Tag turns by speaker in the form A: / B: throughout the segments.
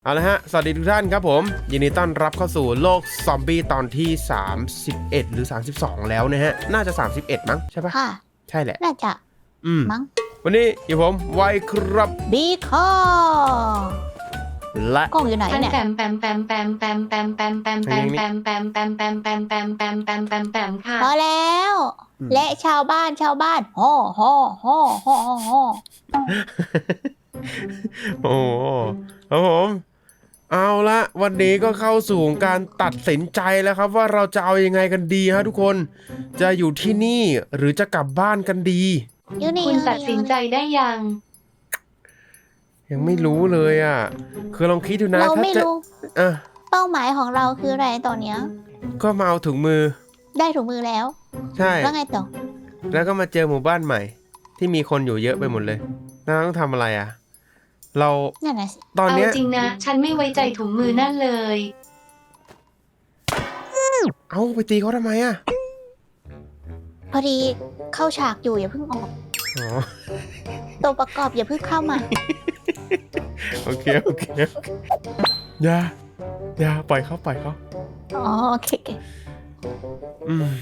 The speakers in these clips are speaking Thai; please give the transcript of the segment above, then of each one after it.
A: เอาละฮะสวัสดีทุกท่านครับผมยินดีต้อนรับเข้าสู่โลกซอมบี้ตอนที่31หรือ32แล้วนะฮะน่าจะ31มั้งใช่ปะ
B: ค่ะ
A: ใช่แหละ
B: น่าจะมั้ง
A: วันนี้อยู่ผมไวครับ
B: บีคอ
A: และ
B: กล้องอยู่ไหนเนี่ย
C: แปมแปมแปมแปมแปมแปมแปมแปมแปมแปมแปมแปมแปมแปมแปมแปมแปมแปมแปมค่ะ
B: พอแล้วและชาวบ้านฮ่อฮ่อฮ่อฮ่อฮ่อ
A: โอ้ครับผมเอาละวันนี้ก็เข้าสู่การตัดสินใจแล้วครับว่าเราจะเอายังไงกันดีฮะทุกคนจะอยู่ที่นี่หรือจะกลับบ้านกันดี
C: คุณตัดสินใจได้
A: ยังไม่รู้เลยอ่ะคือลองคิดดูนะ
B: เราไม่รู้
A: อ่ะ
B: เป้าหมายของเราคืออะไรตอนเนี้ย
A: ก็มาเอาถุงมือ
B: ได้ถุงมือแล้ว
A: ใช่
B: แล้วไงต่อ
A: แล้วก็มาเจอหมู่บ้านใหม่ ที่มีคนอยู่เยอะไปหมดเลยแล้วต้องทำอะไรอ่ะเรา
B: นั่นน่ะสิ
A: ตอน
C: เอา
A: เนี้ย
C: จริงนะฉันไม่ไว้ใจถุงมือนั่นเลย
A: เอาไปตีเขาทำไมอ่ะ
B: พอดีเข้าฉากอยู่อย่าเพิ่งออก
A: อ๋อ
B: ตัวประกอบอย่าเพิ่งเข้ามา
A: โอเคอย่าปล่อยเขา
B: อ๋อโอเค
A: อืม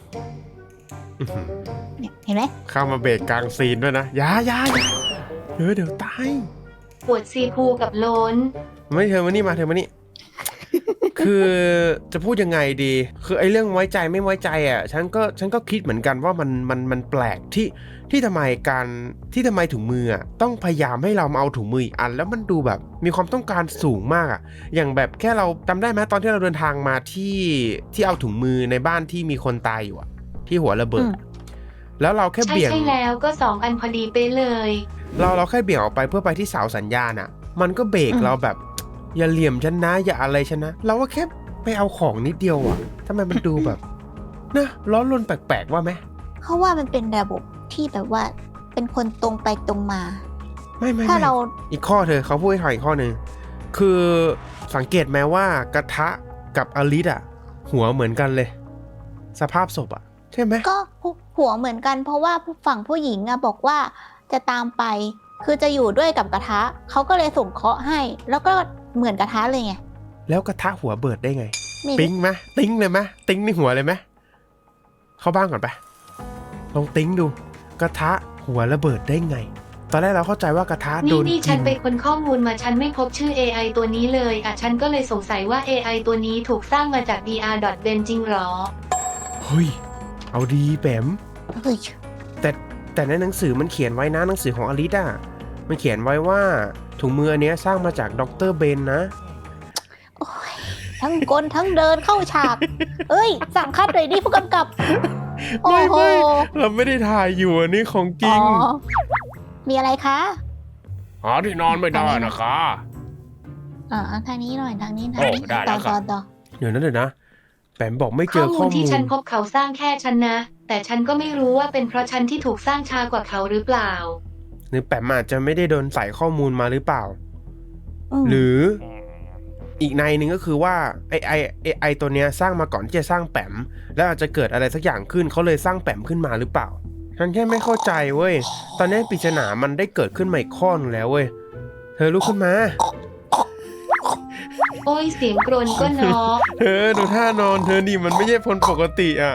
B: เนี่ยเห็นไหม
A: เข้ามาเบรกกลางซีนด้วยนะอย่าเดี๋ยวตาย
C: ปวดซีพูกับโลน
A: ไม่เธอมานี่คือจะพูดยังไงดี คือไอ้เรื่องไว้ใจไม่ไว้ใจอ่ะฉันก็คิดเหมือนกันว่ามันแปลกที่ทำไมถุงมืออ่ะต้องพยายามให้เรามาเอาถุงมืออีกอันแล้วมันดูแบบมีความต้องการสูงมากอ่ะอย่างแบบแค่เราจำได้ไหมตอนที่เราเดินทางมาที่เอาถุงมือในบ้านที่มีคนตายอยู่อ่ะที่หัวระเบิดแล้วเราแค่
C: ใช่
A: เบี่ยง
C: ใช่แล้วก็2 อันพอดีไปเลย
A: เราแค่เบี่ยงออกไปเพื่อไปที่เสาสัญญาณอ่ะมันก็เบรกเราแบบอย่าเหลี่ยมฉันนะอย่าอะไรฉันนะเราก็แค่ไปเอาของนิดเดียวอ่ะทำไมมันดูแบบนะร้อนรนแปลกๆว่าไหม
B: เขาว่ามันเป็นระบบที่แบบว่าเป็นคนตรงไปตรงมา
A: ไม่
B: ถ้าเรา
A: อีกข้อเขาพูดให้ถอยอีกข้อหนึ่งคือสังเกตไหมว่ากระทะกับอลิสอ่ะหัวเหมือนกันเลย สภาพศพอ่ะใช่ไหม
B: ก็หัวเหมือนกันเพราะว่าฝั่งผู้หญิงอะบอกว่าจะตามไป คือจะอยู่ด้วยกับกระทะเขาก็เลยส่งเคราะห์ให้ แล้วก็เหมือนกระทะเลยไง
A: แล้วกระทะหัวเบิดได้ไง
B: ไม่
A: ติ้งไหมติ้งเลยไหมติ้งในหัวเลยไหมเข้าบ้านก่อนไปลองติ้งดูกระทะหัวระเบิดได้ไง ตอนแรกเราเข้าใจว่ากระทะโดน
C: นี่
A: กิ
C: ฉัน
A: น
C: ไปค้นข้อมูลมาฉันไม่พบชื่อ AI ตัวนี้เลยอ่ะฉันก็เลยสงสัยว่า AI ตัวนี้ถูกสร้างมาจาก dr.ben จริงหรอ
A: เฮ้ยเอาดีแปม
B: เฮ้ย
A: แต่ในหนังสือมันเขียนไว้นะหนังสือของอลิสอ่ะมันเขียนไว้ว่าถุงมืออันเนี้ยสร้างมาจากดรเบนนะ
B: โอ้ยทั้งกลทั้งเดินเข้าฉาก เอ้ย สั่งคัดเลยดิผู้กำกับ โอ้โห
A: เราไม่ได้ถ่ายอยู่อันนี้ของจริง
B: อ๋อมีอะไรคะ
A: หาที่นอนไม่ได้นะคะ
B: ทางนี้หน่อยทางนี้
A: โอ้ได้แล้วครับ
B: ต่อ
A: เดี๋ยวนะแปมบอกไม่เจ
C: ข้อ
A: อ
C: มู
A: ข้อ
C: ล
A: มู
C: ที่
A: ล
C: ฉันพบเขาสร้างแค่ฉันนะ แต่ฉันก็ไม่รู้ว่าเป็นเพราะฉันที่ถูกสร้างช้ากว่าเขาหรือเปล่า
A: หรือแปมอาจจะไม่ได้โดนใส่ข้อมูลมาหรือเปล่า
B: ม
A: หรืออีกในหนึ่งก็คือว่าไอตัวเนี้ยสร้างมาก่อนที่จะสร้างแปมแล้วอาจจะเกิดอะไรสักอย่างขึ้นเขาเลยสร้างแปมขึ้นมาหรือเปล่าฉันแค่ไม่เข้าใจเว้ยตอนนี้ปริศนามันได้เกิดขึ้นมาอีกข้อนึงแล้วเว้ยเธอลุกขึ้นมา
C: โอ้ยเสียงกรนก็เนาะ
A: เธอดูท่านอนเธอนี่มันไม่ใช่คนปกติอ่ะ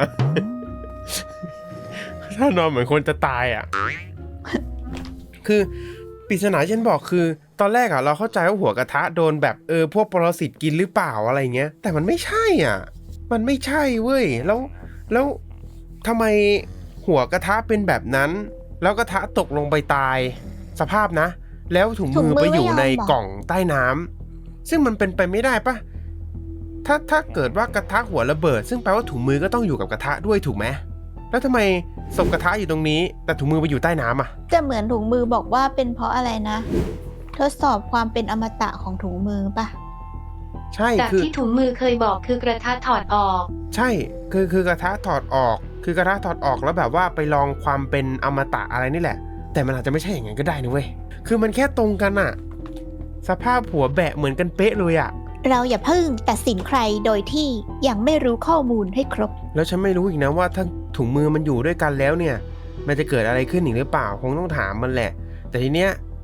A: ท่านอนเหมือนคนจะตายอ่ะ คือปริศนาฉันบอกคือ ตอนแรกอ่ะเราเข้าใจว่าหัวกระทะโดนแบบพวกปรสิตกินหรือเปล่าอะไรเงี้ยแต่มันไม่ใช่อ่ะมันไม่ใช่เว้ยแล้วทำไมหัวกระทะเป็นแบบนั้น แล้วกระทะตกลงไปตายสภาพนะ แล้วถุงมือไปอยู่ในกล่องใต้น้ำซึ่งมันเป็นไปไม่ได้ปะถ้าเกิดว่ากระทะหัวระเบิด ซึ่งแปลว่าถุงมือก็ต้องอยู่กับกระทะด้วยถูกไหมแล้วทำไมศพกระทะอยู่ตรงนี้แต่ถุงมือไปอยู่ใต้น้ำอ่ะ
B: จะเหมือนถุงมือบอกว่าเป็นเพราะอะไรนะ ทดสอบความเป็นอมตะของถุงมือป่ะ
A: ใช่
C: จาก
A: คือ
C: ที่ถุงมือเคยบอกคือกระทะถอดออก
A: ใช่คือกระทะถอดออกคือกระทะถอดออกแล้วแบบว่าไปลองความเป็นอมตะอะไรนี่แหละแต่มันอาจจะไม่ใช่อย่างนั้นก็ได้นะเว้ยคือมันแค่ตรงกันอะสภาพหัวแบะเหมือนกันเป๊ะเลยอะ
B: เราอย่าเพิ่งตัดสินใครโดยที่ยังไม่รู้ข้อมูลให้ครบ
A: แล้วฉันไม่รู้อีกนะว่าถ้าถุงมือมันอยู่ด้วยกันแล้วเนี่ยมันจะเกิดอะไรขึ้นอีกหรือเปล่าคงต้องถามมันแหละแต่ทีเนี้ยแป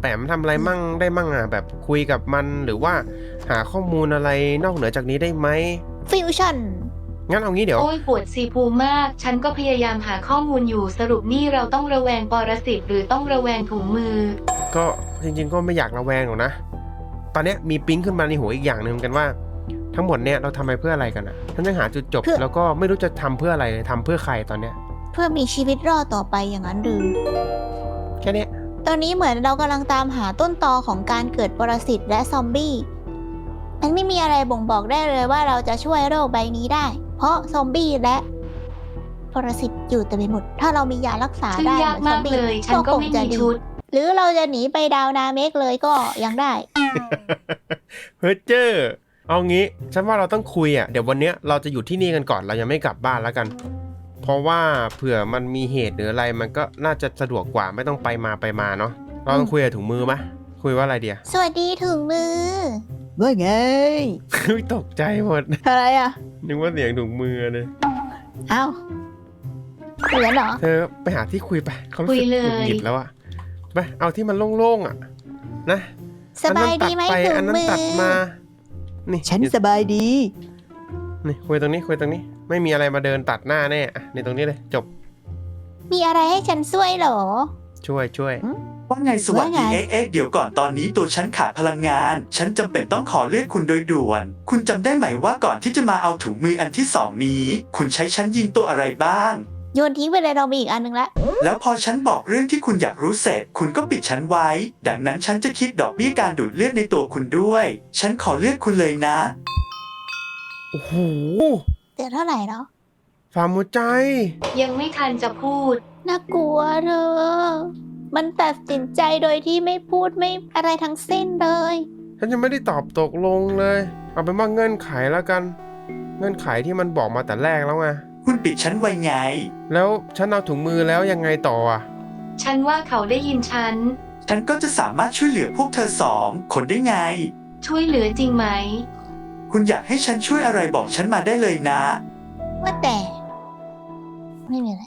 A: ปมทำอะไรมั่งได้มั่งอ่ะแบบคุยกับมันหรือว่าหาข้อมูลอะไรนอกเหนือจากนี้ได้ไหม
B: ฟิวชั่น
A: งั้นเอางี้เดี๋ยว
C: โอ้ยปวดซีพูมาก ฉันก็พยายามหาข้อมูลอยู่สรุปนี่เราต้องระแวงปรสิตหรือต้องระแวงถุงมือ
A: ก็จริงๆก็ไม่อยากระแวงหรอกนะ ตอนเนี้ยมีปิ๊งขึ้นมาในหัวอีกอย่างหนึ่งกันว่า ทั้งหมดเนี่ยเราทำไปเพื่ออะไรกันอ่ะฉันยังหาจุดจบ
B: เพื่อ
A: แล้วก็ไม่รู้จะทำเพื่ออะไรเลยทำเพื่อใครตอนเนี้ย
B: เพื่อมีชีวิตรอดต่อไปอย่างนั้นหรือ
A: แค่เนี้ย
B: ตอนนี้เหมือนเรากำลังตามหาต้นตอของการเกิดปรสิตและซอมบี้ มันไม่มีอะไรบ่งบอกได้เลยว่าเราจะช่วยโรคใบนี้ได้ เพราะซอมบี้และปรสิตอยู่เต็มไปหมด ถ้าเรามียารักษา
C: ซึ่ง
B: ได้
C: ยากมากเลย ฉันก็ไม่มีชุด
B: หรือเราจะหนีไปดาวนาเมกเลยก็ยังได้
A: เฮ้ยเจอเอางี้ฉันว่าเราต้องคุยอ่ะเดี๋ยววันเนี้ยเราจะอยู่ที่นี่กันก่อนเรายังไม่กลับบ้านแล้วกัน เพราะว่าเผื่อมันมีเหตุหรืออะไรมันก็น่าจะสะดวกกว่าไม่ต้องไปมาเนาะเราต้องคุยกับถุงมือไหมคุยว่าอะไรเดีย
B: สวัสดีถึงมือ
D: ว่าไง
A: ตกใจหมด
B: อะไรอ่ะ
A: นึกว่าเสียงถุงมือเลย
B: เอ้าเหมือนเหรอ
A: เธอไปหาที่คุยไปเขารู้
C: คุ
A: สึ
C: ย
A: ก
C: เลย
A: หงุดหงิดแล้วอะไปเอาที่มันโล่งๆอะนะ
B: สบายดีไหม
A: อันนั้น
B: ถึง
A: ตัดไป
B: มื
A: อันนั้นตัด
B: อ
A: มานี่
D: ฉันสบายดี
A: นี่คุยตรงนี้คุยตรงนี้ ไม่มีอะไรมาเดินตัดหน้าแน่อะนี่ตรงนี้เลยจบ
B: มีอะไรให้ฉันช่วยเหรอ
A: ช่วย
E: ว่าไงสวัสดี
B: ว่าไง
E: เดี๋ยวก่อนตอนนี้ตัวฉันขาดพลังงาน ฉันจำเป็นต้องขอเรียกคุณโดยด่วน คุณจำได้ไหมว่าก่อนที่จะมาเอาถุงมืออันที่สองนี้ คุณใช้ฉันยิงตัวอะไรบ้าง
B: โยนทิ้งไปเลยเรามีอีกอันนึงละ
E: แล้วพอฉันบอกเรื่องที่คุณอยากรู้เสร็จ คุณก็ปิดฉันไว้ ดังนั้นฉันจะคิดดอกเบี้ยการดูดเลือดในตัวคุณด้วย ฉันขอเลือกคุณเลยนะ
A: โอ้โห
B: เดี๋ยวเท่าไหร่เนาะ
A: ฟาร์มหัวใจ
C: ยังไม่ทันจะพูด
B: น่ากลัวเธอ มันตัดสินใจโดยที่ไม่พูดไม่อะไรทั้งสิ้นเลย
A: ฉันยังไม่ได้ตอบตกลงเลย เอาเป็นว่าเงื่อนไขแล้วกัน เงื่อนไขที่มันบอกมาแต่แรกแล้วไง
E: คุณปิดฉันไว้ไง
A: แล้วฉันเอาถุงมือแล้วยังไงต่ออ่ะ
C: ฉันว่าเขาได้ยินฉัน
E: ฉันก็จะสามารถช่วยเหลือพวกเธอสองคนได้ไง
C: ช่วยเหลือจริงไหม
E: คุณอยากให้ฉันช่วยอะไรบอกฉันมาได้เลยนะ
B: ว่าแต่ ไม่มีอะไร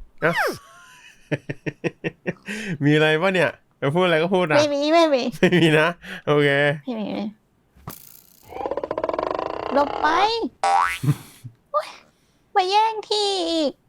A: มีอะไรปะเนี่ยจะพูดอะไรก็พูดนะ
B: ไม่มี
A: ไม่มีนะ โอเค
B: ไม่มีหลบไปโอ๊ยมาแย่งที่อีก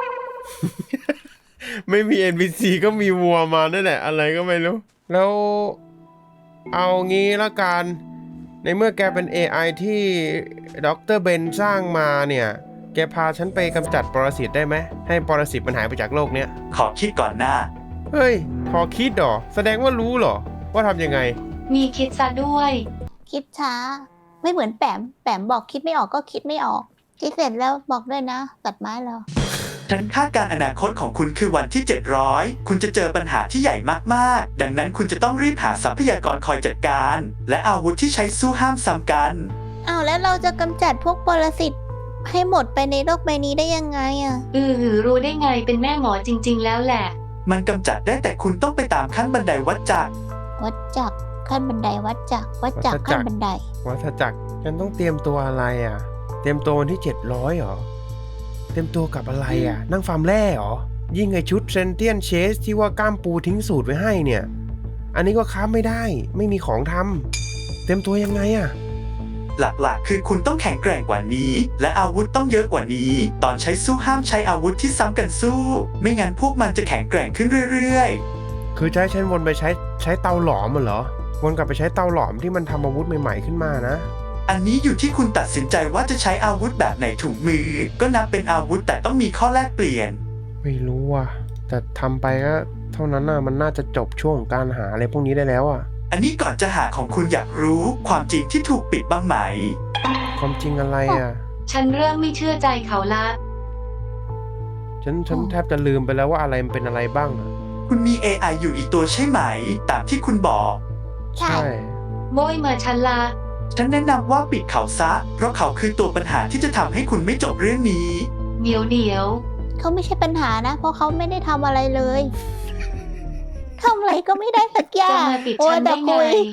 A: ไม่มี NPC ก็มีวัวมานั่นแหละอะไรก็ไม่รู้ แล้วเอางี้ละกัน ในเมื่อแกเป็น AI ที่ดรเบนสร้างมาเนี่ย แกพาฉันไปกำจัดปรสิตได้ไหม ให้ปรสิตมันหายไปจากโลกเนี้ย
E: ขอคิดก่อนนะ
A: เฮ้ย พอคิดเหรอ แสดงว่ารู้เหรอ ว่าทำยังไง
C: มีคิดซะด้วย
B: คิดช้า ไม่เหมือนแปมบอกคิดไม่ออกก็คิดไม่ออก คิดเสร็จแล้วบอกด้วยนะ ตัดไม้แล้ว
E: ฉันคาดการณ์อนาคตของคุณคือวันที่ 700 คุณจะเจอปัญหาที่ใหญ่มากๆ ดังนั้นคุณจะต้องรีบหาทรัพยากรคอยจัดการ และอาวุธที่ใช้สู้ห้ามซ้ำกัน
B: อ้าวแล้วเราจะกำจัดพวกปรสิตให้หมดไปในโลกใบนี้ได้ยังไงอะ
C: รู้ได้ไงเป็นแม่หมอจริง ๆ แล้วแหละ
E: มันกำจัดได้แต่คุณต้องไปตามขั้นบันไดวัดจักร
B: วัดจักรขั้นบันไดวัดจักรวัดจักร
A: วัดจักร
B: ขั้นบันได
A: วัฏจักรฉันต้องเตรียมตัวอะไรอ่ะ เตรียมตัววันที่700เหรอ เตรียมตัวกับอะไรอ่ะ นั่งฟาร์มแร่เหรอ ยิ่งไอชุดเซนเทียนเชสที่ว่ากล้ามปูทิ้งสูตรไว้ให้เนี่ย อันนี้ก็ค้าไม่ได้ ไม่มีของทำเตรียมตัวยังไงอ่ะ
E: หลักๆ คือคุณต้องแข็งแกร่งกว่านี้ และอาวุธต้องเยอะกว่านี้ ตอนใช้สู้ห้ามใช้อาวุธที่ซ้ำกันสู้ ไม่งั้นพวกมันจะแข็งแกร่งขึ้นเรื่อยๆ
A: คือจะให้ฉันวนไปใช้เตาหลอมเหรอ วนกลับไปใช้เตาหลอมที่มันทำอาวุธใหม่ๆขึ้นมานะ
E: อันนี้อยู่ที่คุณตัดสินใจว่าจะใช้อาวุธแบบไหนถุงมือ ก็นับเป็นอาวุธแต่ต้องมีข้อแลกเปลี่ยน
A: ไม่รู้อ่ะ แต่ทำไปก็เท่านั้นน่ะ มันน่าจะจบช่วงของการหาอะไรพวกนี้ได้แล้วอ่ะ
E: อันนี้ก่อนจะหาของคุณอยากรู้ความจริงที่ถูกปิดบ้างไหม
A: ความจริงอะไรอ่ะ
C: ฉันเริ่มไม่เชื่อใจเขาละ
A: ฉันแทบจะลืมไปแล้วว่าอะไรมันเป็นอะไรบ้างอะ
E: คุณมี AI อยู่อีกตัวใช่ไหม ตามที่คุณบอก
B: ใช่
C: โบยมาฉันละ
E: ฉันแนะนำว่าปิดเขาซะ เพราะเขาคือตัวปัญหาที่จะทำให้คุณไม่จบเรื่องนี้
C: เดี๋ยว
B: เขาไม่ใช่ปัญหานะ เพราะเขาไม่ได้ทำอะไรเลยทำอะไรก็ไม่ได้สักอ
C: จะ
B: ย่าง
C: มาปิด
B: โอ้
C: ฉัน
B: แต่
C: ได้ไง
B: คุย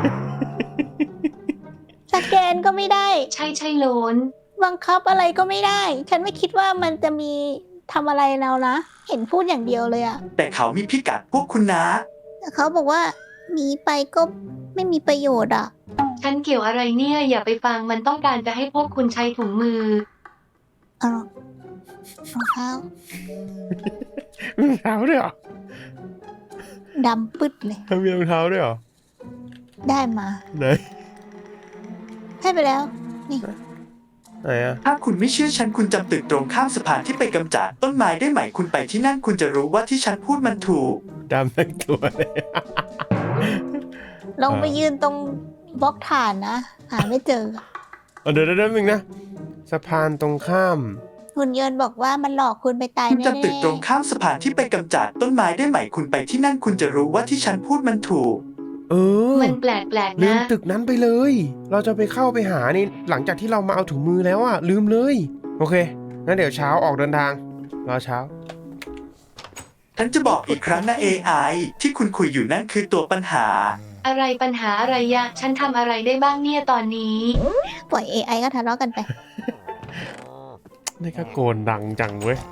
B: สแกนก็ไม่ได้
C: ใช่โลน
B: บังคับอะไรก็ไม่ได้ ฉันไม่คิดว่ามันจะมีทำอะไรเรานะ เห็นพูดอย่างเดียวเลยอะ
E: แต่เขามีพิกัดพวกคุณนะ
B: แต่เขาบอกว่าหนีไปก็ไม่มีประโยชน์อ่ะ
C: ฉันเกี่ยวอะไรเนี่ยอย่าไปฟังมันต้องการจะให้พวกคุณใช้ถุงมือ
B: เอารองเท้า
A: มีรองเท้าด้วยเหรอ
B: ดำปึ๊ดเลย
A: มีรองเท้าด้วยเหรอ
B: ได้มา
A: ไหน
B: ให้ไปแล้ว นี่
A: ไหนอะ
E: ถ้าคุณไม่เชื่อฉันคุณจำตึกตรงข้ามสะพานที่ไปกำจัดต้นไม้ได้ไหมคุณไปที่นั่นคุณจะรู้ว่าที่ฉันพูดมันถูก
A: ดำทั้งตัวเลย
B: ลองไปยืนตรงบล็อกฐานนะ หาไม่เจอ
A: เดี๋ยวนึงนะสะพานตรงข้าม
B: หุ่นยนต์บอกว่ามันหลอกคุณไปตาย
E: คุณ
B: แน่
E: จำตึกตรงข้ามสะพานที่ไปกำจัดต้นไม้ได้ไหมคุณไปที่นั่นคุณจะรู้ว่าที่ฉันพูดมันถูก
A: เออ
C: มันแปลก
A: ลื
C: ๆ
A: ม
C: นะ
A: ตึกนั้นไปเลย เราจะไปเข้าไปหานี่หลังจากที่เรามาเอาถุงมือแล้วอะลืมเลย โอเค งั้นเดี๋ยวเช้าออกเดินทาง รอเช้า
E: ฉันจะบอกอีกครั้งนะ AI ที่คุณคุยอยู่นั่นคือตัวปัญหา
C: อะไรปัญหาอะไรยะ ฉันทำอะไรได้บ้างเนี่ยตอนนี้
B: ปล่อย AI ก็ทะเลาะกันไป
A: นี่ก็โกนดังจังเว้ย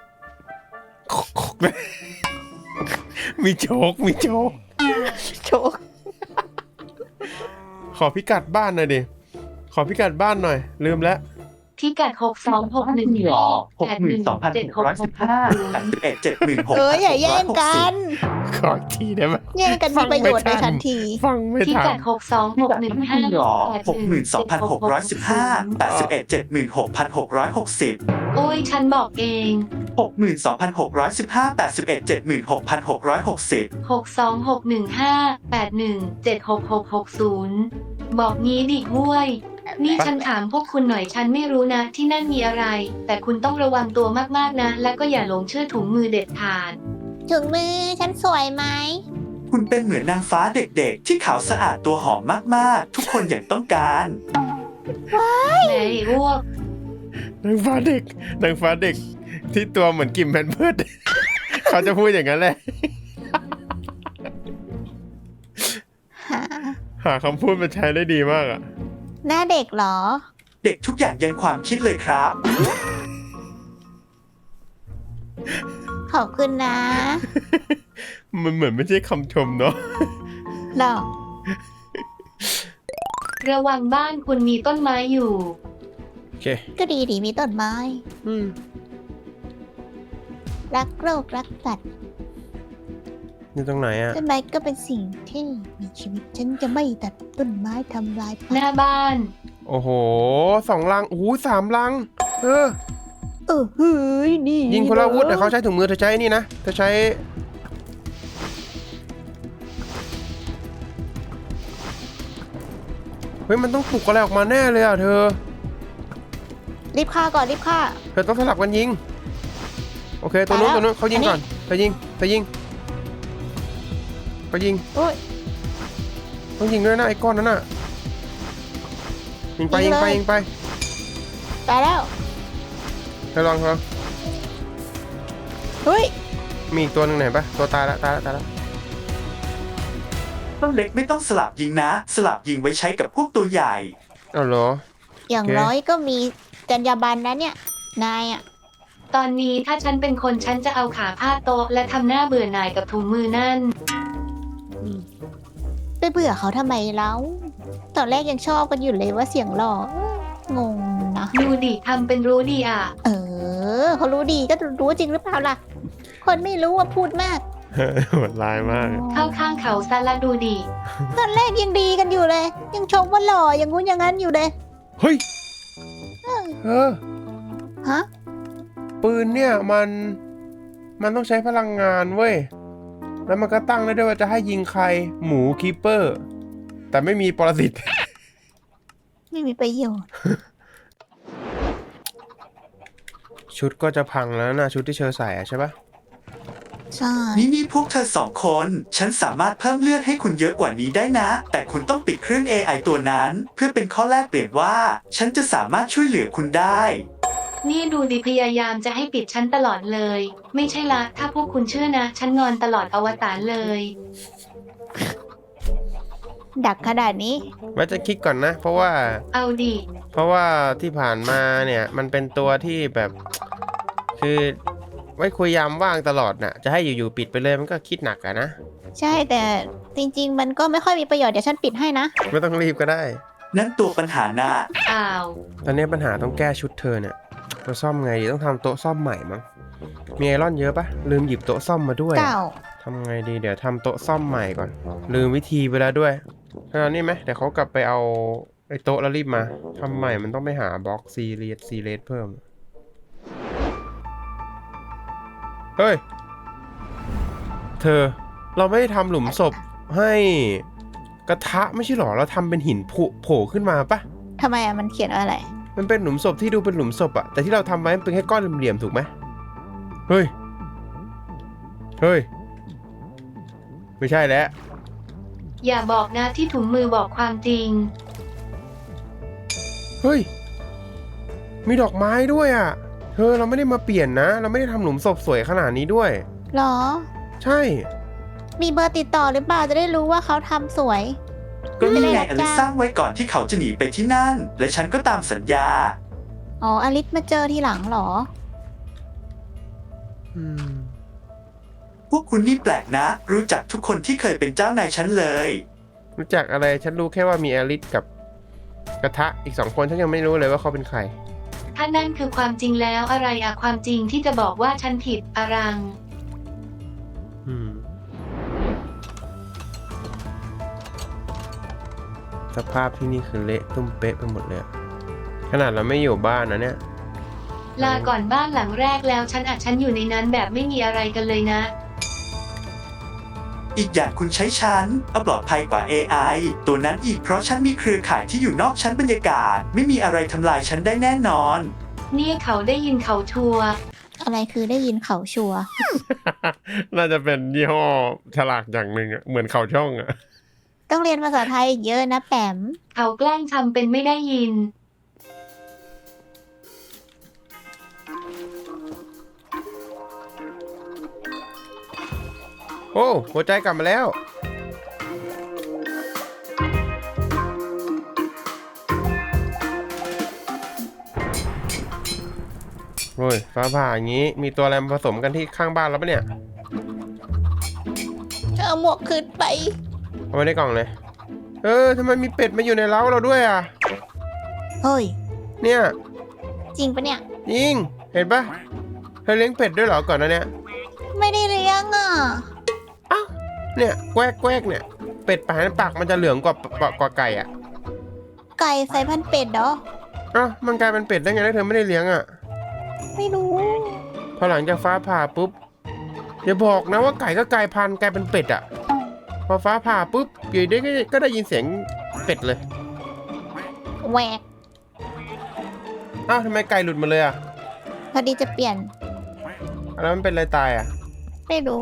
A: มีโจก
B: โชค
A: ขอพิกัดบ้านหน่อยดิ ขอพิกัดบ้านหน่อย ลืมแล้ว
C: พิกัด 6261
B: อย่าแย่งกัน
A: ขออีกทีได้ไหม
B: แย่งกันมีประโยชน์ในทันที
A: ฟังไม่
C: พิ
A: ทั
C: กัน ด
E: 62,615
C: โอ้ยฉันบอกเอง
E: 62,615
C: 6261581766660 บอกงี้ดิห้วย นี่ฉันถามพวกคุณหน่อยฉันไม่รู้นะที่นั่นมีอะไร แต่คุณต้องระวังตัวมากๆนะ และก็อย่าหลงเชื่อถุงมือเด็ดขาด
B: ถึงมือฉันสวยไหม
E: คุณเป็นเหมือนนางฟ้าเด็กๆ ที่ขาวสะอาดตัวหอมมากๆ ทุกคนอย่างต้องการ
C: แหมไอ้อ้วก
A: นางฟ้าเด็กที่ตัวเหมือนกิมแพนเพิร์ด เขาจะพูดอย่างนั้นแหละ
B: หา
A: หาคำพูดมาใช้ได้ดีมากอ่ะ
B: หน้าเด็กเหรอ
E: เด็กทุกอย่างยันความคิดเลยครับ
B: ขอบคุณนะ
A: มันเหมือนไม่ใช่คำชมเนาะ
B: หรอ
C: ระวังบ้านคุณมีต้นไม้อยู่
A: โอเค
B: ก็ดีดีมีต้นไม้
A: อืม
B: รักโลกรักสัตว์
A: นี่ตรงไหนอ่ะ
B: ต้นไม้ก็เป็นสิ่งที่มีชีวิต ฉันจะไม่ตัดต้นไม้ทำลาย
C: ห
B: ป่า
C: น้าบ้าน
A: โอ้โห 2 ลัง โอ้โห3 ลัง เออ
B: เฮ้ยนี่
A: ยิงคนละอาวุธแต่เขาใช้ถุงมือเธอใช้นี่นะเธอใช้ เฮ้ย มันต้องปลุกอะไรออกมาแน่เลยอ่ะเธอ
B: รีบฆ่าก่อนรีบฆ่า
A: เธอต้องสลับกันยิง โอเค ตัวนู้น
B: ตายแล้ว
A: ตัวนู้นเขายิง
B: อันนี้
A: ก่อนเธอยิงเขายิง
B: โอ้ย
A: ต้องยิงด้วยนะไอ้ก้อนนั้นน่ะ ยิงไป
B: ยิ
A: ยิ
B: ง
A: ง
B: เลย
A: ไปยิงไป
B: ตายแล้ว
A: เธอลองเธอ
B: เฮ้ย
A: มีอีกตัวหนึงไหนปะตัวตายแล้ว
E: ต้นเล็กไม่ต้องสลับยิงนะ สลับยิงไว้ใช้กับพวกตัวใหญ่
A: เอาเหรอ
B: อย่าง
A: โอเค
B: น้อยก็มีจรรยาบรรณนะเนี่ย นายอ่ะ
C: ตอนนี้ถ้าฉันเป็นคนฉันจะเอาขาพาดโต๊ะและทำหน้าเบื่อหน่ายกับถุงมือนั่น
B: ไปเบื่อเขาทำไมแล้ว ตอนแรกยังชอบกันอยู่เลยว่าเสียงหล่องงนะ
C: ดูดิทำเป็นรู้ดีอ่ะ
B: เขารู้ดีก็รู้จริงหรือเปล่าล่ะ คนไม่รู้ว่าพูดมาก
A: โหดร้ายมาก
C: เข้าข้างเขาซะละดูดิ
B: ตอนแรกยังดีกันอยู่เลย ยังชมว่าหล่ออย่างงู้นอย่างนั้นอยู่เลย
A: เฮ้ย
B: ฮะ
A: ปืนเนี่ยมันต้องใช้พลังงานเว้ย แล้วมันก็ตั้งได้ด้วยว่าจะให้ยิงใคร หมูคีเปอร์ แต่ไม่มีปรสิต
B: ไม่มีประโยชน์
A: ชุดก็จะพังแล้วนะชุดที่เชอใส่อะใช่ปะ
B: ใช่
E: นี่พวกเธอ2 คน ฉันสามารถเพิ่มเลือดให้คุณเยอะกว่านี้ได้นะ แต่คุณต้องปิดเครื่อง AI ตัวนั้น เพื่อเป็นข้อแลกเปลี่ยนว่า ฉันจะสามารถช่วยเหลือคุณได้
C: นี่ดูดิพยายามจะให้ปิดฉันตลอดเลย ไม่ใช่ละถ้าพวกคุณเชื่อนะ ฉันงอนตลอดอวตารเลย
B: ดักขนาดนี้
A: ไว้จะคิดก่อนนะ เพราะว่า
C: เอาดิ
A: ที่ผ่านมาเนี่ย มันเป็นตัวที่แบบ คือไว้คุยยามว่างตลอดน่ะ จะให้อยู่ๆปิดไปเลยมันก็คิดหนักอะนะ
B: ใช่แต่จริง ๆ มันก็ไม่ค่อยมีประโยชน์เดี๋ยวฉันปิดให้นะ
A: ไม่ต้องรีบก็ได้
E: นั่นตัวปัญหานะ
C: อ้าว
A: ตอนนี้ปัญหาต้องแก้ชุดเธอเนี่ยจะซ่อมไงดีต้องทำโต๊ะซ่อมใหม่มั้งมีไอรอนเยอะปะลืมหยิบโต๊ะซ่อมมาด้วย
B: เก่า
A: ทำไงดีเดี๋ยวทำโต๊ะซ่อมใหม่ก่อน ลืมวิธีไปแล้วด้วยขนาดนี้ไหมเดี๋ยวเขากลับไปเอาไอ้โต๊ะแล้วรีบมาทำใหม่มันต้องไปหาบล็อกซีเรียสเพิ่มเฮ้ยเธอเราไม่ได้ทำหลุมศพให้กระทะไม่ใช่หรอเราทำเป็นหินโผล่ขึ้นมาปะ
B: ทำไมอะมันเขียนว่าอะไร
A: มันเป็นหลุมศพที่ดูเป็นหลุมศพอะแต่ที่เราทำไว้มันเป็นแค่ก้อนเหลี่ยมๆถูกไหมเฮ้ยไม่ใช่แล้ว
C: อย่าบอกนะที่ถุงมือบอกความจริง
A: เฮ้ยมีดอกไม้ด้วยอะเธอเราไม่ได้มาเปลี่ยนนะ เราไม่ได้ทำหลุมศพสวยขนาดนี้ด้วย
B: หรอ
A: ใช่
B: มีเบอร์ติดต่อหรือเปล่าจะได้รู้ว่าเขาทำสวย
E: ก็นี่ไง
B: ไม่ได้
E: อลิซสร้างไว้ก่อนที่เขาจะหนีไปที่นั่น และฉันก็ตามสัญญา
B: อ๋ออลิสมาเจอทีหลังเหรอ
A: อืม
E: พวกคุณนี่แปลกนะ รู้จักทุกคนที่เคยเป็นเจ้านายฉันเลย
A: รู้จักอะไรฉันรู้แค่ว่ามีแอลิสกับกระทะอีก2 คนฉันยังไม่รู้เลยว่าเขาเป็นใคร
C: ถ้านั่นคือความจริงแล้วอะไรอะความจริงที่จะบอกว่าฉันผิดอรัง
A: อืมสภาพที่นี่คือเละตุ้มเป๊ะไปหมดเลยอะขนาดเราไม่อยู่บ้านนะเนี่ย
C: ลาก่อนบ้านหลังแรกแล้วฉันอยู่ในนั้นแบบไม่มีอะไรกันเลยนะ
E: อีกอย่างคุณใช้ฉันเอาปลอดภัยกว่า AI ตัวนั้นอีกเพราะฉันมีเครือข่ายที่อยู่นอกชั้นบรรยากาศ ไม่มีอะไรทำลายฉันได้แน่นอน
C: เนี่ยเขาได้ยินเขาชัวร์
B: อะไรคือได้ยินเขาชัวร์
A: น่าจะเป็นยี่ห้อฉลากอย่างหนึ่งอะเหมือนเขาช่องอะ
B: ต้องเรียนภาษาไทยอีกเยอะนะแปม
C: เขาแกล้งทำเป็นไม่ได้ยิน
A: โอ้หัวใจกลับมาแล้วโอ้ยฟ้าผ่าอย่างนี้มีตัวอะไรมาผสมกันที่ข้างบ้านแล้วปะเนี่ย
B: เอาหมวกขึ้นไป
A: เอาไว้ในกล่องเลยทำไมมีเป็ดมาอยู่ในเล้าเราด้วยอ่ะ
B: เฮ้ย
A: เนี่ย
B: จริงปะเนี่ย
A: ยิงเห็นปะเธอเลี้ยงเป็ดด้วยเหรอก่อนนะเนี่ย
B: ไม่ได้เลี้ยงอ่ะ
A: อ้าวเนี่ยแกวกเนี่ยเป็ดปากมันจะเหลืองกว่าไก่อ่ะ
B: ไก่ใส่พันธุ์เป็ดเหรอ
A: อ้าวมันกลายเป็นเป็ดได้ไงถ้าเธอไม่ได้เลี้ยงอ่ะ
B: ไม่รู้
A: พอหลังจากฟ้าผ่าปุ๊บอย่าบอกนะว่าไก่ก็กลายพันธุ์กลายเป็นเป็ดอ่ะพอฟ้าผ่าปุ๊บอยู่ดีก็ได้ยินเสียงเป็ดเลย
B: แหวก
A: อ้าวทำไมไก่หลุดมาเลยอ่ะ
B: พอดีจะเปลี่ยน
A: แล้วมันเป็นอะไรตายอ่ะ
B: ไม่รู้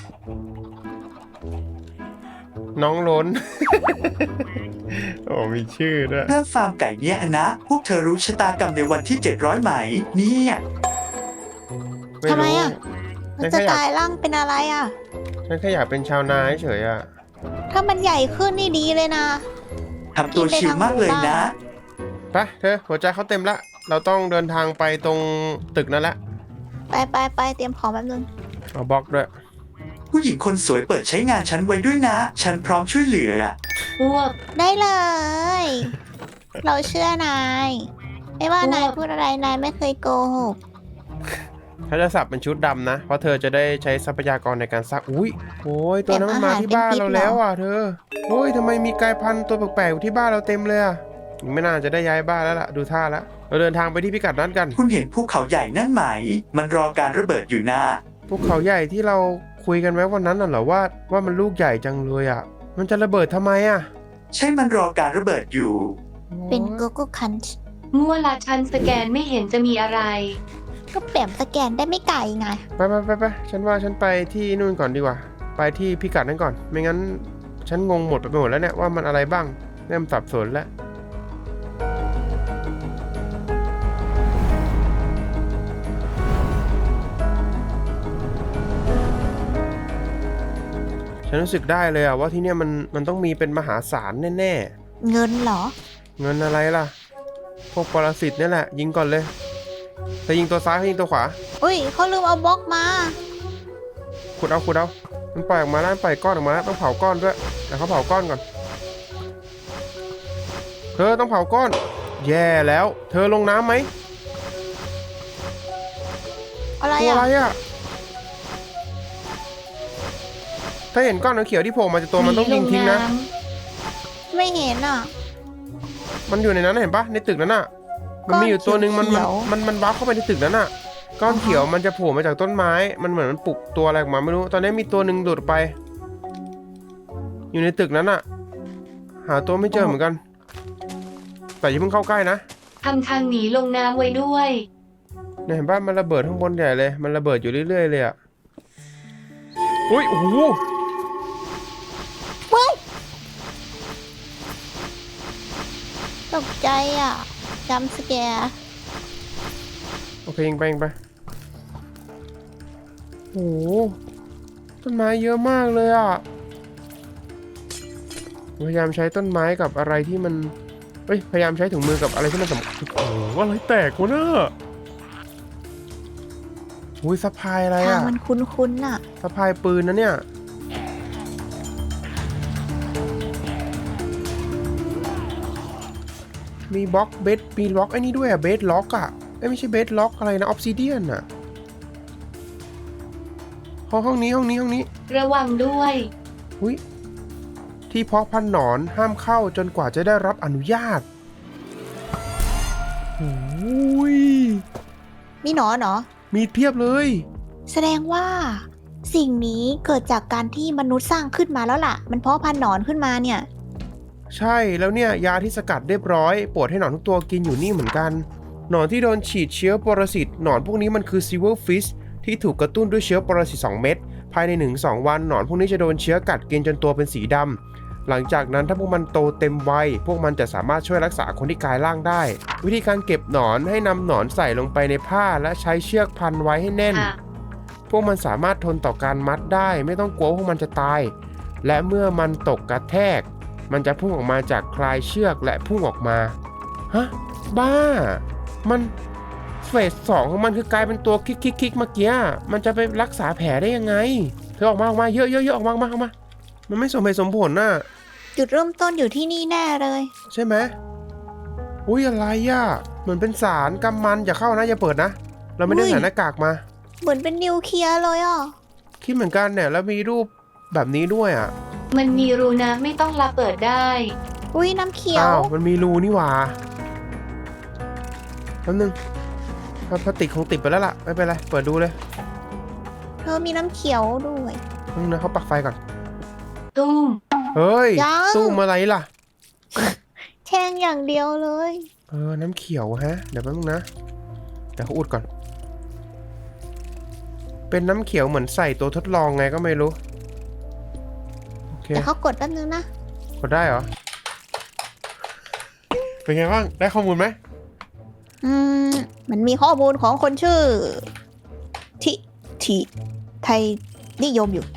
A: น้องล้น โอ้มีชื่อด้วย
E: เรื่องฟาร์มไก่เนี่ยนะ พวกเธอรู้ชะตากรรมในวันที่ 700 ไหม เนี่ย
B: ทำไมอะ
A: ฉั
B: มัน
A: น
B: จะ
A: แค่อยาก
B: กลายร่างเป็นอะไรอ่ะ
A: ฉันแค่อยากเป็นชาวนาเฉยๆอ่ะ
B: ถ้ามันใหญ่ขึ้นนี่ดีเลยนะ
E: ทำตัวชิลมากเลยนะ
A: ไปเธอหัวใจเขาเต็มละ เราต้องเดินทางไปตรงตึกนั่นแหละ
B: ไปเตรียมของแป๊บนึง
A: เอาบล็อกด้วย
E: ผู้หญิงคนสวยเปิดใช้งานฉันไว้ด้วยนะ ฉันพร้อมช่วยเหลือ
C: พวก
B: ได้เลย เราเชื่อนาย ไม่ว่า
C: โอ้
B: นายพูดอะไรนายไม่เคยโกหก
A: ถ้าจะสับเป็นชุดดำนะ เพราะเธอจะได้ใช้ทรัพยากรในการซัก อุ้ยโอ้ยตัวนั้นมันมาที่บ้านเราแล้วอ่ะเธอโอ้ยทำไมมีกลายพันธุ์ตัวแปลกๆอยู่ที่บ้านเราเต็มเลยอ่ะ ไม่น่าจะได้ย้ายบ้านแล้วล่ะ ดูท่าแล้ว เราเดินทางไปที่พิกัดนั้นกัน
E: คุณเห็นภูเขาใหญ่นั่นไหม มันรอการระเบิดอยู่นะ
A: ภูเขาใหญ่ที่เราคุยกันไว้วันนั้นน่ะเหรอว่ามันลูกใหญ่จังเลยอ่ะ มันจะระเบิดทำไมอ่ะ
E: ใช่มันรอการระเบิดอยู่
B: เป็นโกโก้คันช์
C: มั่วละฉันสแกนไม่เห็นจะมีอะไร
B: ก็แปมสแกนได้ไม่ไกลไง
A: ไปฉันว่าฉันไปที่นู่นก่อนดีกว่า ไปที่พิกัดนั้นก่อน ไม่งั้นฉันงงหมดไปหมดแล้วเนี่ยว่ามันอะไรบ้างเริ่มสับสนแล้ว ฉันรู้สึกได้เลยอะว่าที่เนี่ยมันต้องมีเป็นมหาศาลแน่
B: เงินเหรอ
A: ๆ เงินอะไรล่ะ พวกปรสิตนี่แหละ ยิงก่อนเลยเธอยิงตัวซ้ายเขายิงตัวขวา
B: อุ้ยเขาลืมเอาบล็อกมา
A: ขุดเอามันปล่อยออกมาแล้วมันปล่อยก้อนออกมาแล้วต้องเผาก้อนด้วยเดี๋ยวเขาเผาก้อนก่อนเธอต้องเผาก้อนแย่แล้วเธอลงน้ำไหม
B: อะไร
A: ตัว
B: อ่ะ
A: อะไรอ่ะถ้าเห็นก้อนเขียวที่โผล่มาจากตัวมันต้องยิงทิ้งนะ
C: หล
B: ไม่เห็นอ่ะ
A: มันอยู่ในนั้นเห็นปะในตึกนั้นอ่ะมันมีอยู่ตัวหนึ่งมัน
B: ก้อนเขียว
A: มันวาร์ปเข้าไปในตึกนั้นอ่ะก้อนเขียวมันจะโผล่มาจากต้นไม้มันเหมือนมันปลุกตัวอะไรออกมาไม่รู้ตอนนี้มีตัวหนึ่งหลุดไป อยู่ในตึกนั้นอ่ะ หาตัวไม่เจอเหมือนกัน แต่อย่าเพิ่งเข้าใกล้นะ
C: ทำทางหนีลงน้ำไว้ด้วย
A: เนี่ยเห็นปะมันระเบิดข้างบนใหญ่เลยมันระเบิดอยู่เรื่อยๆเลยอ่ะอุ้ยโอ้โห
B: เว้ยตกใจอ่ะจำสแกร์
A: โอเคยิงไปยิงไปโอ้โหต้นไม้เยอะมากเลยอ่ะพยายามใช้ต้นไม้กับอะไรที่มันพยายามใช้ถุงมือกับอะไรที่มันสำคัญโอ้โหอะไรแตกวะเนี่ยอุ้ยสะพายอะไร
B: ทาง
A: อ่ะ
B: มันคุ้นๆน่ะ
A: สะพายปืนนะเนี่ยมีบล็อกเบสมีล็อกไอ้นี่ด้วยอ่ะเบสล็อกอ่ะไม่ใช่เบสล็อกอะไรนะออฟซิเดียนอ่ะห้องนี้
C: ระวังด้วย
A: อุ้ยที่เพาะพันธุ์หนอนห้ามเข้าจนกว่าจะได้รับอนุญาตโอ้ย
B: มีหนอนเหรอ
A: มีเพียบเลย
B: แสดงว่า สิ่งนี้เกิดจากการที่มนุษย์สร้างขึ้นมาแล้วล่ะ มันเพาะพันธุ์หนอนขึ้นมาเนี่ย
A: ใช่แล้วเนี่ยยาที่สกัดเรียบร้อยโปรดให้หนอนทุกตัวกินอยู่นี่เหมือนกันหนอนที่โดนฉีดเชื้อปรสิตหนอนพวกนี้มันคือซิลเวอร์ฟิชที่ถูกกระตุ้นด้วยเชื้อปรสิต2 เม็ดภายใน 1-2 วันหนอนพวกนี้จะโดนเชื้อกัดกินจนตัวเป็นสีดำหลังจากนั้นถ้าพวกมันโตเต็มวัยพวกมันจะสามารถช่วยรักษาคนที่กลายร่างได้ วิธีการเก็บหนอนให้นำหนอนใส่ลงไปในผ้าและใช้เชือกพันไว้ให้แน่น
C: ค่ะ
A: พวกมันสามารถทนต่อการมัดได้ไม่ต้องกลัวว่าพวกมันจะตาย และเมื่อมันตกกระแทก มันจะพุ่งออกมาจากคลายเชือกและพุ่งออกมาฮะบ้า มันเฟส2ของมันคือกลายเป็นตัวคิกเมื่อกี้มันจะไปรักษาแผลได้ยังไงเธอออกมาเยอะออกมามันไม่สมเหตุสมผลน่ะ
B: จุดเริ่มต้นอยู่ที่นี่แน่เลย
A: ใช่ไหมอุ้ยอะไรอ่ะเหมือนเป็นสารกำมันอย่าเข้านะอย่าเปิดนะเราไม่ได้ใส่หน้ากากมา
B: เหมือนเป็นนิวเคลียร์เลยอ่ะ
A: คิดเหมือนกันเนี่ยแล้วมีรูปแบบนี้ด้วยอ่ะ
C: มันมีรูนะไม่ต้องละเปิดได้
B: อุ้ยน้ำเขียว
A: อ้าวมันมีรูนี่หว่าแป๊บนึงพลาสติกคงติดไปแล้วล่ะไม่เป็นไรเปิดดูเลย
B: เธอมีน้ำเขียวด้วย
A: นึงนะเขาปักไฟก่อน
C: ตุ้ม
A: เฮ้ย
B: ยัง
A: ตู้มอะไรล่ะ
B: แช่งอย่างเดียวเลย
A: น้ำเขียวฮะเดี๋ยวแป๊บนึงนะเดี๋ยวเขาอุดก่อน เป็นน้ำเขียวเหมือนใส่ตัวทดลองไงก็ไม่รู้โอเค
B: แต่เขากดแป๊บนึงนะ
A: กดได้เหรอเป็นไงบ้างได้ข้อมูลไหม
B: มันมีข้อมูลของคนชื่อที่ไทยนิยมอยู่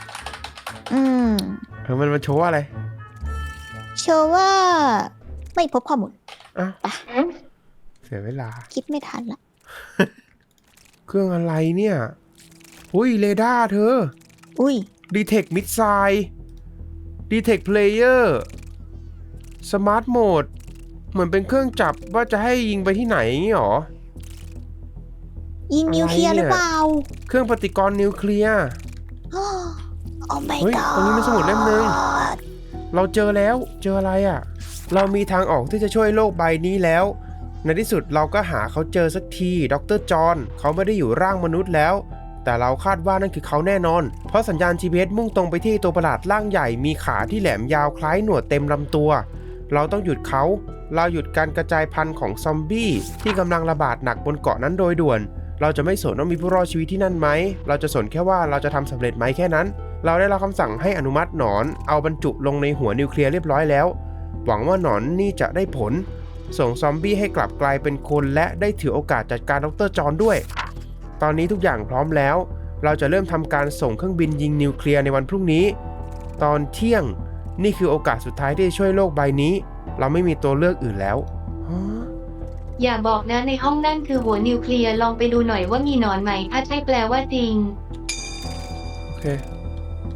A: มันมาโชว์อะไร
B: เชื่อว่าไม่พบข้อมูล
A: อ้าว
B: ไป
A: เสียเวลา
B: คิดไม่ทันละ
A: เครื่องอะไรเนี่ยอุ้ยเรดาร์เธอ
B: อุ้ย
A: Detect Missile Detect Player Smart Mode เหมือนเป็นเครื่องจับว่าจะให้ยิงไปที่ไหนอย่างงี้หรอ
B: ยิงนิวเคลียร์
A: อะไร
B: ห
A: เนี่ย
B: รือเปล่า
A: เครื่องปฏิกรณ์นิวเคลียร์
B: โอ้ my
A: เฮ้ย
B: god
A: ตรงนี้มีสมุดเล่มนึง เราเจอแล้วเจออะไรอ่ะ เรามีทางออกที่จะช่วยโลกใบนี้แล้ว ในที่สุดเราก็หาเขาเจอสักทีดร.จอห์นเขาไม่ได้อยู่ร่างมนุษย์แล้ว แต่เราคาดว่านั่นคือเขาแน่นอน เพราะสัญญาณ GPS มุ่งตรงไปที่ตัวประหลาดร่างใหญ่มีขาที่แหลมยาวคล้ายหนวดเต็มลำตัว เราต้องหยุดเขา เราหยุดการกระจายพันธุ์ของซอมบี้ที่กำลังระบาดหนักบนเกาะนั้นโดยด่วน เราจะไม่สนว่ามีผู้รอดชีวิตที่นั่นไหม เราจะสนแค่ว่าเราจะทำสำเร็จไหมแค่นั้น เราได้รับคำสั่งให้อนุมัติหนอนเอาบรรจุลงในหัวนิวเคลียร์เรียบร้อยแล้ว หวังว่าหนอนนี่จะได้ผล ส่งซอมบี้ให้กลับกลายเป็นคนและได้ถือโอกาสจัดการดร.จอห์นด้วย ตอนนี้ทุกอย่างพร้อมแล้ว เราจะเริ่มทำการส่งเครื่องบินยิงนิวเคลียร์ในวันพรุ่งนี้ ตอนเที่ยงนี่คือโอกาสสุดท้ายที่จะช่วยโลกใบนี้ เราไม่มีตัวเลือกอื่นแล้วฮะ
C: อย่าบอกนะในห้องนั่นคือหัวนิวเคลียร์ลองไปดูหน่อยว่ามีหนอนไหมถ้าใช่แปลว่าจริง
A: โอเค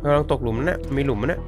A: กำลังตกหลุมนะมีหลุมนะ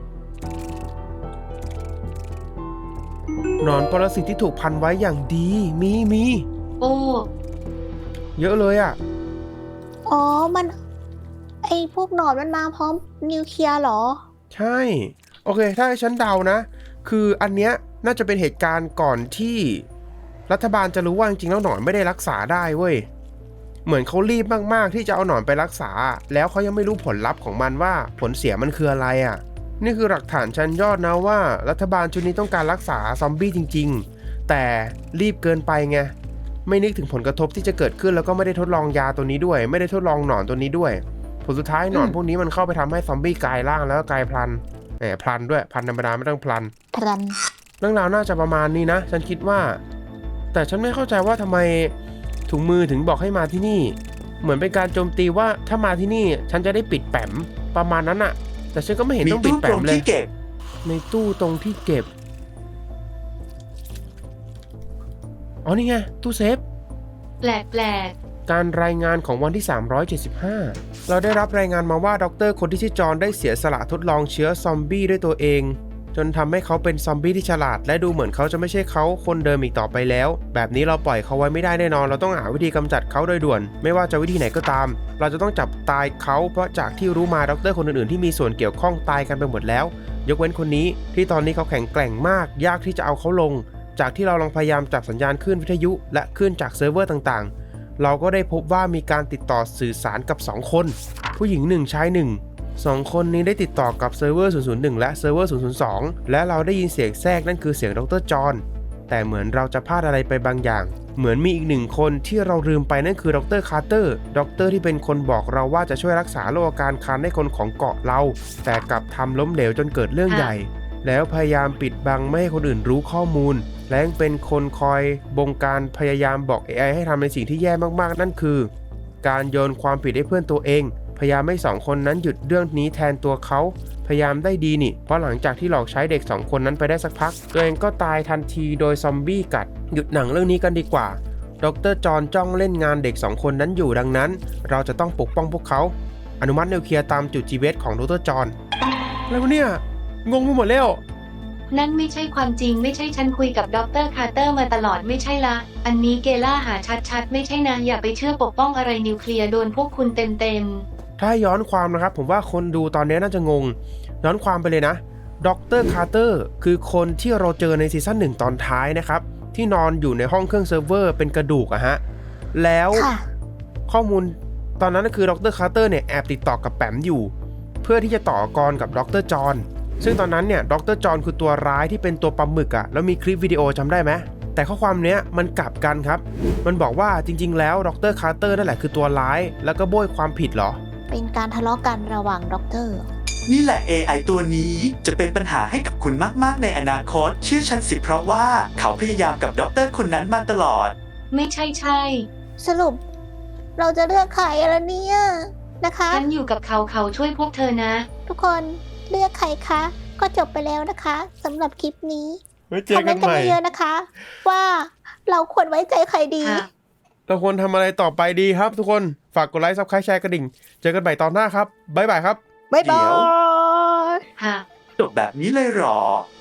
A: หนอนปรสิตที่ถูกพันไว้อย่างดีมี
C: โอ้
A: เยอะเลยอ่ะ
B: อ๋อ มัน ไอพวกหนอนมันมาพร้อมนิวเคลียร์เหรอ
A: ใช่ โอเค ถ้าให้ฉันเดานะ คืออันเนี้ยน่าจะเป็นเหตุการณ์ก่อนที่รัฐบาลจะรู้ว่าจริงๆแล้วหนอนไม่ได้รักษาได้เว้ย เหมือนเขารีบมากๆที่จะเอาหนอนไปรักษา แล้วเขายังไม่รู้ผลลัพธ์ของมันว่าผลเสียมันคืออะไรอ่ะ นี่คือหลักฐานชั้นยอดนะว่ารัฐบาลชุดนี้ต้องการรักษาซอมบี้จริงๆ แต่รีบเกินไปไง ไม่นึกถึงผลกระทบที่จะเกิดขึ้นแล้วก็ไม่ได้ทดลองยาตัวนี้ด้วย ไม่ได้ทดลองหนอนตัวนี้ด้วย ผลสุดท้ายหนอนพวกนี้มันเข้าไปทำให้ซอมบี้กลายร่างแล้วก็กลายพลันพลันด้วยพลันธรรมดาไม่ต้องพลัน
B: พลัน
A: เรื่องราวน่าจะประมาณนี้นะ ฉันคิดว่า แต่ฉันไม่เข้าใจว่าทำไมถุงมือถึงบอกให้มาที่นี่ เหมือนเป็นการโจมตีว่าถ้ามาที่นี่ฉันจะได้ปิดแปมประมาณนั้นอะแต่ฉันก็ไม่เห็น
E: มี
A: ต้องปิด
E: ตู้
A: แป
E: ตร
A: ม
E: ง
A: เลย
E: ที่เก็บ
A: ในตู้ตรงที่เก็บอ๋อนี่ไงตู้เซฟ
C: แปลก
A: การรายงานของวันที่ 375 เราได้รับรายงานมาว่าด็อกเตอร์คนที่ชื่อจอห์นได้เสียสละทดลองเชื้อซอมบี้ด้วยตัวเอง จนทำให้เขาเป็นซอมบี้ที่ฉลาดและดูเหมือนเขาจะไม่ใช่เขาคนเดิมอีกต่อไปแล้ว แบบนี้เราปล่อยเขาไว้ไม่ได้แน่นอนเราต้องหาวิธีกำจัดเขาโดยด่วน ไม่ว่าจะวิธีไหนก็ตาม เราจะต้องจับตายเขาเพราะจากที่รู้มาด็อกเตอร์คนอื่นๆที่มีส่วนเกี่ยวข้องตายกันไปหมดแล้ว ยกเว้นคนนี้ที่ตอนนี้เขาแข็งแกร่งมากยากที่จะเอาเขาลง จากที่เราลองพยายามจับสัญญาณคลื่นวิทยุและคลื่นจากเซิร์ฟเวอร์ต่างๆ เราก็ได้พบว่ามีการติดต่อสื่อสารกับ 2 คน ผู้หญิง 1 ชาย 1 2 คนนี้ได้ติดต่อกับเซิร์ฟเวอร์ 001 และเซิร์ฟเวอร์ 002 และเราได้ยินเสียงแทรกนั่นคือเสียงดร.จอห์นแต่เหมือนเราจะพลาดอะไรไปบางอย่าง เหมือนมีอีกหนึ่งคนที่เราลืมไปนั่นคือดร.คาร์เตอร์ดร.ที่เป็นคนบอกเราว่าจะช่วยรักษาโรคอาการคันให้คนของเกาะเรา แต่กลับทำล้มเหลวจนเกิดเรื่องใหญ่ แล้วพยายามปิดบังไม่ให้คนอื่นรู้ข้อมูล และยังเป็นคนคอยบงการพยายามบอก AI ให้ทำในสิ่งที่แย่มากๆ นั่นคือ การโยนความผิดให้เพื่อนตัวเอง พยายามให้2 คนนั้นหยุดเรื่องนี้แทนตัวเขาพยายามได้ดีนี่ เพราะหลังจากที่หลอกใช้เด็ก2 คนนั้นไปได้สักพักตัวเองก็ตายทันทีโดยซอมบี้กัดหยุดหนังเรื่องนี้กันดีกว่าดร.จอห์นจ้องเล่นงานเด็ก2 คนนั้นอยู่ดังนั้น เราจะต้องปกป้องพวกเขาอนุมัตินิวเคลียร์ตามจุด GBS ของดร.จอห์นแล้วเนี่ยงงไปหมดแล้ว
C: ๆ นั่นไม่ใช่ความจริงไม่ใช่ฉันคุยกับดร.คาร์เตอร์มาตลอดไม่ใช่ละ อันนี้เกล่าหาชัดๆ ไม่ใช่นะอย่าไปเชื่อปกป้องอะไรนิวเคลียร์โดนพวกคุณเต็ม
A: ถ้าย้อนความนะครับผมว่าคนดูตอนนี้น่าจะงงย้อนความไปเลยนะดร.คาร์เตอร์คือคนที่เราเจอในซีซั่น1ตอนท้ายนะครับที่นอนอยู่ในห้องเครื่องเซิร์ฟเวอร์เป็นกระดูกอะฮะแล้ว
B: ค่ะ
A: ข้อมูลตอนนั้นก็คือดร.คาร์เตอร์เนี่ยแอบติดต่อกับแปมอยู่ เพื่อที่จะต่อกรกับดร.จอห์นซึ่งตอนนั้นเนี่ยดร.จอห์นคือตัวร้ายที่เป็นตัวปลาหมึกอะแล้วมีคลิปวิดีโอจำได้ไหมแต่ข้อความเนี้ยมันกลับกันครับมันบอกว่าจริงๆแล้วดร.คาร์เตอร์นั่นแหละคือตัวร้ายแล้วก็โบยความผิดเหรอ
B: เป็นการทะเลาะกันระหว่างด็อกเตอร์
E: นี่แหละ AI ตัวนี้จะเป็นปัญหาให้กับคุณมากๆในอนาคตเชื่อฉันสิเพราะว่าเขาพยายามกับด็อกเตอร์คนนั้นมาตลอด
C: ๆ ไม่ใช่ใช่
B: สรุป เราจะเลือกใครละเนี่ยนะคะ
C: ฉันอยู่กับเขาช่วยพวกเธอนะ
B: ทุกคนเลือกใครคะ ก็จบไปแล้วนะคะสำหรับคลิปนี้
A: ไว้เจ
B: คอ
A: อ
B: มเม
A: กัน
B: นต์กัน
A: ใหม่
B: เยอะๆนะคะ ว่าเราควรไว้ใจใครดี
C: ค่ะ
A: เราควรทำอะไรต่อไปดีครับทุกคนฝากกดไลค์ซับสไครต์แชร์กระดิ่งเจอกันใหม่ตอนหน้าครับบ๊ายบายครับ
B: บ๊ายบา
E: เดี๋ยว
B: ย
C: ค่ะ
E: จบแบบนี้เลยเหรอ